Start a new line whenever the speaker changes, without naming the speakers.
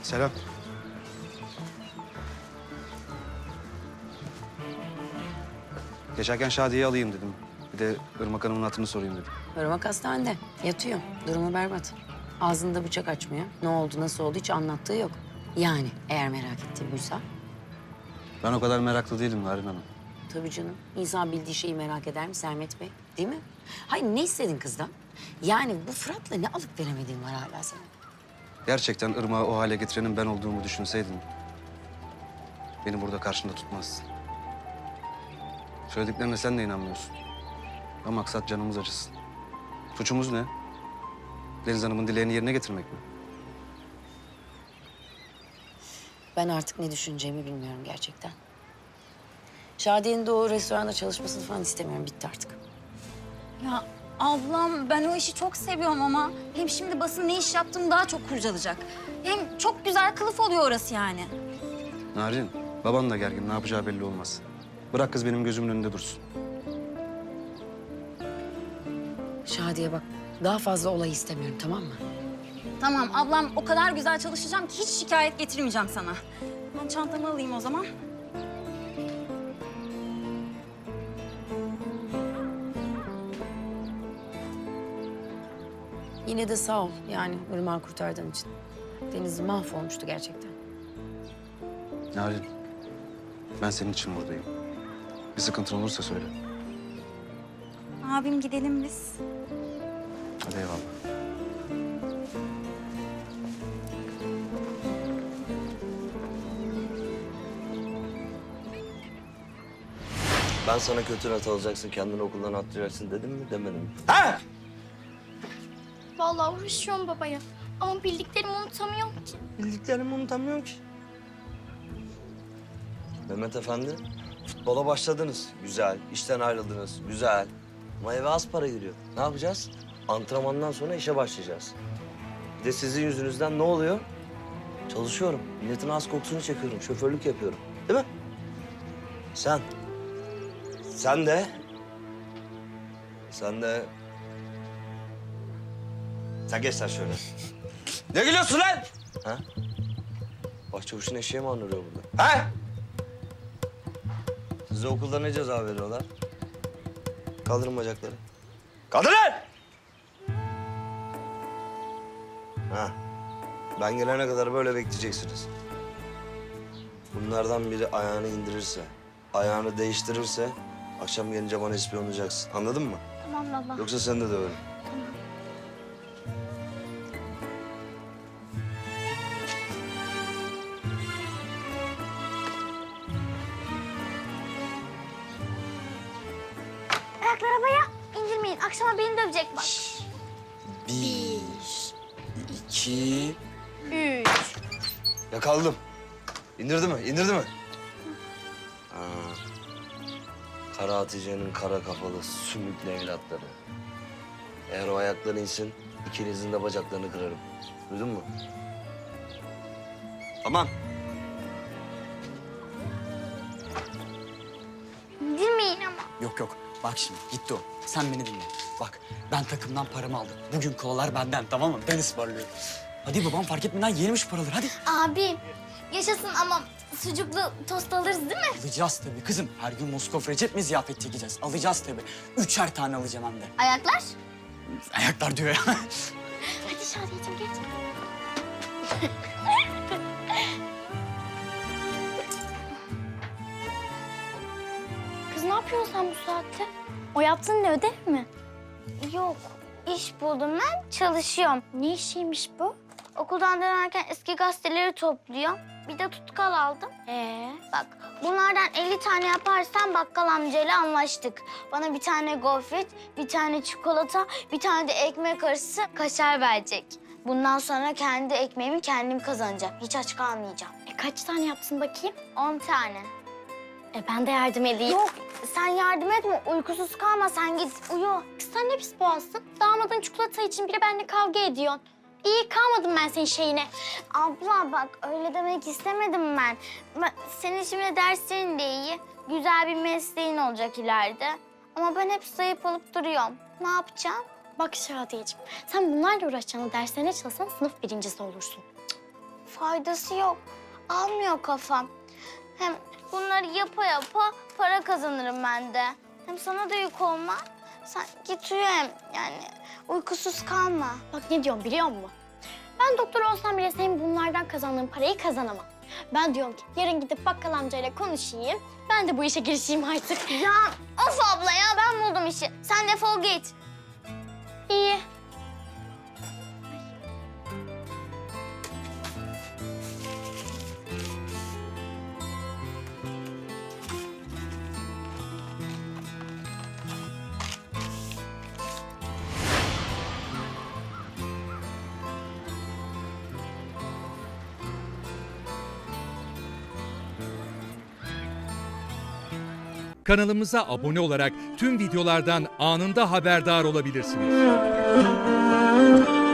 Selam. Geçerken Şadiye'yi alayım dedim. Bir de Irmak Hanım'ın hatırını sorayım dedim.
Irmak hastanede. Yatıyor. Durumu berbat. Ağzında bıçak açmıyor. Ne oldu, nasıl oldu hiç anlattığı yok. Yani eğer merak ettiği buysa.
Ben o kadar meraklı değilim Narin Hanım.
Tabii canım. İnsan bildiği şeyi merak eder mi Sermet Bey? Değil mi? Hayır, ne istedin kızdan? Yani bu Fırat'la ne alıp veremediğin var hala senin.
Gerçekten Irmak'ı o hale getirenin ben olduğumu düşünseydin... beni burada karşında tutmazdın. Söylediklerine sen de inanmıyorsun. Ama maksat canımız acısın. Suçumuz ne? Deniz Hanım'ın dileğini yerine getirmek mi?
Ben artık ne düşüneceğimi bilmiyorum gerçekten. Şadiye'nin de o restoranda çalışmasını falan istemiyorum. Bitti artık.
Ya ablam ben o işi çok seviyorum ama hem şimdi basın ne iş yaptığımı daha çok kurcalayacak. Hem çok güzel kılıf oluyor orası yani.
Narin, baban da gergin. Ne yapacağı belli olmaz. Bırak kız benim gözümün önünde dursun.
Şadiye bak, daha fazla olay istemiyorum, tamam mı?
Tamam ablam o kadar güzel çalışacağım ki hiç şikayet getirmeyeceğim sana. Ben çantamı alayım o zaman.
Yine de sağ ol yani Irmak'ı kurtardığın için. Deniz mahvolmuştu gerçekten.
Narin, ben senin için buradayım. Bir sıkıntın olursa söyle.
Abim gidelim biz.
Hadi eyvallah.
Ben sana kötü not alacaksın, kendini okuldan atlayacaksın dedim mi, demedim mi?
Vallahi uğraşıyorum babaya. Ama bildiklerimi unutamıyorum ki.
Bildiklerimi unutamıyorum ki. Mehmet Efendi, futbola başladınız. Güzel. İşten ayrıldınız. Güzel. Ama eve az para giriyor. Ne yapacağız? Antrenmandan sonra işe başlayacağız. Bir de sizin yüzünüzden ne oluyor? Çalışıyorum. Milletin az kokusunu çekiyorum. Şoförlük yapıyorum. Değil mi? Sen. Sen de. Sen geç sen şöyle. Ne gülüyorsun lan? Ha? Başçavuşun eşeği mi andırıyor burada? Ha? Size okulda ne ceza veriyorlar? Kaldırın bacakları. Kaldırın! Ha. Ben gelene kadar böyle bekleyeceksiniz. Bunlardan biri ayağını indirirse, ayağını değiştirirse... akşam gelince bana ispiyonlayacaksın. Anladın mı?
Tamam baba.
Yoksa seni de döverim.
Ayakları havaya indirmeyin. Akşama beni dövecek bak.
Bir, iki...
Üç.
Yakaladım. İndirdi mi? İndirdi mi? Ha. Kara Hatice'nin kara kafalı sümüklü evlatları. Eğer o ayakları insin, ikinizin de bacaklarını kırarım. Duydun mu? Tamam.
İndirmeyin ama.
Yok yok. Bak şimdi gitti o. Sen beni dinle. Bak ben takımdan paramı aldım. Bugün kolalar benden, tamam mı? Ben ısmarlıyorum. Hadi babam fark etmeden yiyelim şu paraları hadi.
Abi yaşasın ama sucuklu tost alırız değil mi?
Alacağız tabii kızım. Her gün Moskova Recep mi ziyafet çekeceğiz? Alacağız tabii. 3'er tane alacağım hem de.
Ayaklar.
Ayaklar diyor ya.
Hadi Şadiyeciğim geç. Kız ne yapıyorsun sen bu saatte? O yaptığın ne, ödev mi? Yok, iş buldum ben, çalışıyorum. Ne işiymiş bu? Okuldan dönerken eski gazeteleri topluyorum. Bir de tutkal aldım. Bak, bunlardan 50 tane yaparsan bakkal amcayla anlaştık. Bana bir tane gofret, bir tane çikolata, bir tane de ekmek arası kaşar verecek. Bundan sonra kendi ekmeğimi kendim kazanacağım. Hiç aç kalmayacağım. Kaç tane yapsın bakayım? 10 tane. Ben de yardım edeyim. Yok, sen yardım etme. Uykusuz kalma, sen git uyu. Kız sen ne pis boğazsın. Damadın çikolata için bile benimle kavga ediyorsun. İyi kalmadım ben senin şeyine. Abla bak öyle demek istemedim ben. Senin şimdi derslerin de iyi. Güzel bir mesleğin olacak ileride. Ama ben hep zayıf olup duruyorum. Ne yapacağım? Bak Şadiyeciğim, sen bunlarla uğraşacağına derslerine çalışsan sınıf birincisi olursun. faydası yok. Almıyor kafam. Hem bunları yapa yapa para kazanırım ben de. Hem sana da yük olma. Sen git uyu hem yani uykusuz kalma.
Bak ne diyorum biliyor musun? Ben doktor olsam bile senin bunlardan kazandığın parayı kazanamam. Ben diyorum ki yarın gidip bakkal amcayla konuşayım. Ben de bu işe girişeyim artık.
Ya of abla ya ben buldum işi. Sen defol git.
İyi.
Kanalımıza abone olarak tüm videolardan anında haberdar olabilirsiniz.